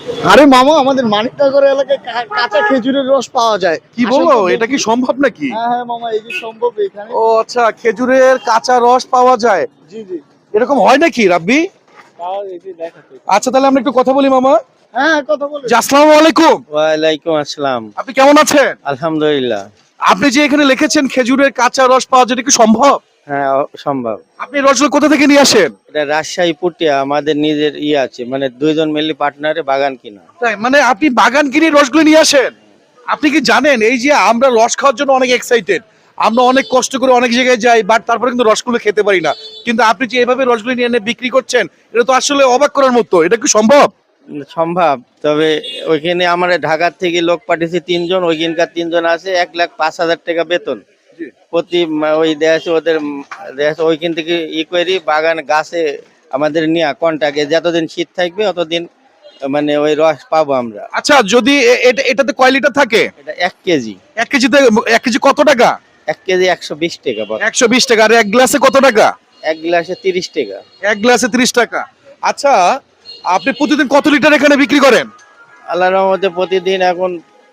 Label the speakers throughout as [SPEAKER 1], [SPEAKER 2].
[SPEAKER 1] আরে মামা, আমাদের মানিকনগর এলাকায় কাঁচা খেজুরের রস পাওয়া যায়।
[SPEAKER 2] কি
[SPEAKER 1] আসেন
[SPEAKER 2] বলো,
[SPEAKER 1] তো
[SPEAKER 2] এটা
[SPEAKER 1] দেখি।
[SPEAKER 2] কি সম্ভব নাকি?
[SPEAKER 1] হ্যাঁ হ্যাঁ মামা, এই যে সম্ভব এখানে।
[SPEAKER 2] ও আচ্ছা, খেজুরের কাঁচা রস পাওয়া যায়,
[SPEAKER 1] জি জি।
[SPEAKER 2] এরকম হয় নাকি রাব্বি?
[SPEAKER 1] তাও এই যে দেখাচ্ছি।
[SPEAKER 2] আচ্ছা, তাহলে আমরা একটু কথা বলি মামা।
[SPEAKER 1] হ্যাঁ, কথা বলে।
[SPEAKER 2] জি, আসসালামু আলাইকুম।
[SPEAKER 3] ওয়ালাইকুম আসসালাম।
[SPEAKER 2] আপনি কেমন আছেন?
[SPEAKER 3] আলহামদুলিল্লাহ।
[SPEAKER 2] আপনি যে এখানে লিখেছেন খেজুরের কাঁচা রস পাওয়া যায়, এটা কি সম্ভব?
[SPEAKER 3] হ্যাঁ, সম্ভব।
[SPEAKER 2] আপনি এই রসগুলো কোথা থেকে নিয়ে আসেন?
[SPEAKER 3] এটা রাজশাহী পুটিয়া আমাদের নিজের আছে, মানে দুইজন মিলে পার্টনারে বাগান কিনা।
[SPEAKER 2] তাই মানে আপনি বাগান কিনে রসগুলো নিয়ে আসেন? আপনি কি জানেন এই যে আমরা রস খাওয়ার জন্য অনেক এক্সাইটেড, আমরা অনেক কষ্ট করে অনেক জায়গায় যাই, বাট তারপরে কিন্তু রসগুলো খেতে পারি না। কিন্তু আপনি যে এভাবে রসগুলো নিয়ে এনে বিক্রি করছেন, এটা তো আসলে অবাক করার মতো। এটা কি সম্ভব?
[SPEAKER 3] সম্ভব, তবে ওইখানে আমরা ঢাকার থেকে লোক পাঠিয়েছি 3 জন, ওইখানকার 3 জন আছে 1,05,000 টাকা বেতন প্রতি ওই দেশে ওদের দেশে ওইখান থেকে করি বাগান গাছে আমাদের নিয়ে কন্টাক্টে যতদিন শীত থাকবে অতদিন মানে ওই রস পাবো আমরা।
[SPEAKER 2] আচ্ছা, যদি এটাতে কয় লিটার থাকে?
[SPEAKER 3] এটা 1 কেজি।
[SPEAKER 2] 1 কেজিতে 1 কেজি কত টাকা?
[SPEAKER 3] 1 কেজি 120 টাকা।
[SPEAKER 2] 120 টাকা। আর এক গ্লাসে কত টাকা?
[SPEAKER 3] 1 গ্লাসে 30 টাকা।
[SPEAKER 2] এক গ্লাসে 30 টাকা। আচ্ছা, আপনি প্রতিদিন কত লিটার এখানে বিক্রি করেন?
[SPEAKER 3] আল্লাহর রহমতে প্রতিদিন এখন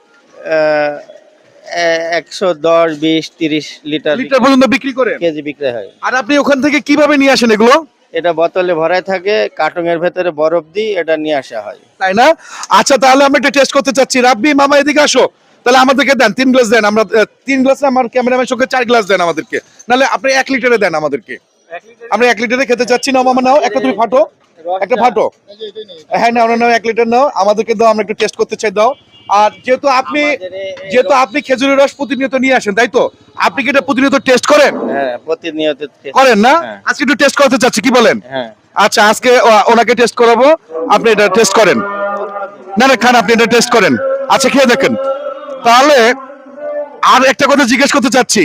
[SPEAKER 3] 110, 20, 30 লিটার
[SPEAKER 2] লিটার পর্যন্ত বিক্রি করেন?
[SPEAKER 3] কেজি বিক্রি হয়।
[SPEAKER 2] আর আপনি ওখান থেকে কিভাবে নিয়ে আসেন এগুলো?
[SPEAKER 3] এটা বোতলে ভরায় থাকে, কার্টুনের ভেতরে বরফ দিয়ে এটা নিয়ে আসা হয়।
[SPEAKER 2] তাই না? আচ্ছা, তাহলে আমরা একটা টেস্ট করতে চাচ্ছি। রাব্বি মামা এদিকে আসো। তাহলে আমাদেরকে দেন 3 গ্লাস দেন। আমরা 3 গ্লাসে আমার ক্যামেরাম্যান সঙ্গে 4 গ্লাস দেন আমাদেরকে। নাহলে আপনি 1 লিটারে দেন আমাদেরকে। আমরা 1 লিটারে খেতে চাচ্ছি না মামা। নাও একটা, তুমি ফাটো একটা ফাটো।
[SPEAKER 1] এই যে এটাই নেই।
[SPEAKER 2] হ্যাঁ নাও নাও, 1 লিটার নাও, আমাদেরকে দাও, আমরা একটু টেস্ট করতে চাই, দাও। আর যেহেতু আপনি খেজুরের রস প্রতিনিয়ত নিয়ে আসেন, তাই তো? আপনি কি এটা প্রতিনিয়ত টেস্ট করেন?
[SPEAKER 3] হ্যাঁ, প্রতিনিয়ত
[SPEAKER 2] করেন না?
[SPEAKER 3] হ্যাঁ।
[SPEAKER 2] আজকে একটু টেস্ট করতে চাচ্ছি, কি বলেন?
[SPEAKER 3] হ্যাঁ।
[SPEAKER 2] আচ্ছা, আজকে ওনাকে টেস্ট করাবো। আপনি এটা টেস্ট করেন। না না, খান, আপনি এটা টেস্ট করেন। আচ্ছা, খেয়ে দেখেন। তাহলে আর একটা কথা জিজ্ঞেস করতে চাচ্ছি,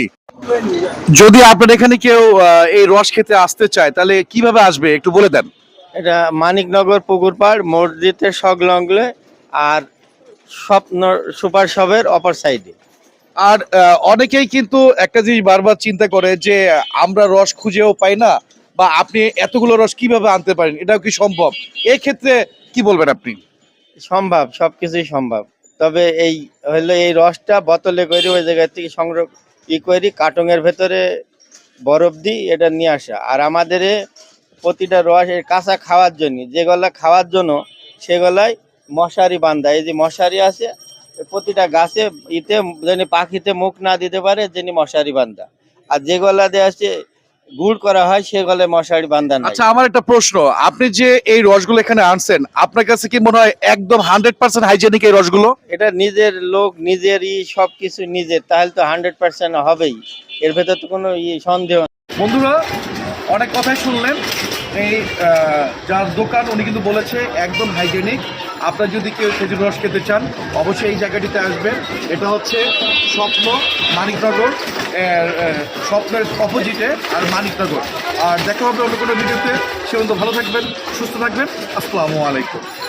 [SPEAKER 2] যদি আপনার এখানে কেউ এই রস খেতে আসতে চায়, তাহলে কিভাবে আসবে একটু বলে দেন।
[SPEAKER 3] এটা মানিকনগর পুকুর পাড় মসজিদের সংলগ্নে, আর স্বপ্ন সুপার শপের অপর সাইডে।
[SPEAKER 2] আর অনেকেই কিন্তু একটা জিনিস বারবার চিন্তা করে যে আমরা রস খুঁজেও পাই না, বা আপনি এতগুলো রস কিভাবে আনতে পারেন, এটাও কি সম্ভব? এই ক্ষেত্রে কি বলবেন আপনি?
[SPEAKER 3] সম্ভব, সবকিছুই সম্ভব। তবে এই হলো এই রসটা বোতলে করে ওই জায়গা থেকে সংগ্রহ করি, কার্টুনের ভেতরে বরফ দিই, এটা নিয়ে আসা। আর আমাদের প্রতিটা রস এর কাঁচা খাওয়ার জন্য, যেগুলা খাওয়ার জন্য সেগুলাই মশারি বান্ধা। এই যে মশারি আছে প্রতিটা গাছে, যেন পাখিতে মুখ না দিতে পারে, যেন মশারি বান্ধা। আর যেগুলা দিয়ে আছে গুড় করা হয় সেগুলো মশারি বান্ধা নাই।
[SPEAKER 2] আচ্ছা, আমার একটা প্রশ্ন, আপনি যে এই রসগুলো এখানে আনছেন, আপনার কাছে কি মনে হয় একদম 100% হাইজেনিক এই রসগুলো?
[SPEAKER 3] এটা নিজের লোক, নিজেরই সবকিছু নিজের, তাহলে তো 100% হবেই, এর ভেতর তো কোনো সন্দেহ নেই।
[SPEAKER 2] বন্ধুরা, অনেক কথাই শুনলেন। এই যার দোকান, উনি কিন্তু বলেছে একদম হাইজেনিক। আপনার যদি কেউ খেজুর রস খেতে চান, অবশ্যই এই জায়গাটিতে আসবেন। এটা হচ্ছে স্বপ্ন মানিকনগর, স্বপ্নের অপোজিটে আর মানিকনগর। আর দেখা হবে অন্য কোনো ভিডিওতে। সে পর্যন্ত ভালো থাকবেন, সুস্থ থাকবেন। আসসালামু আলাইকুম।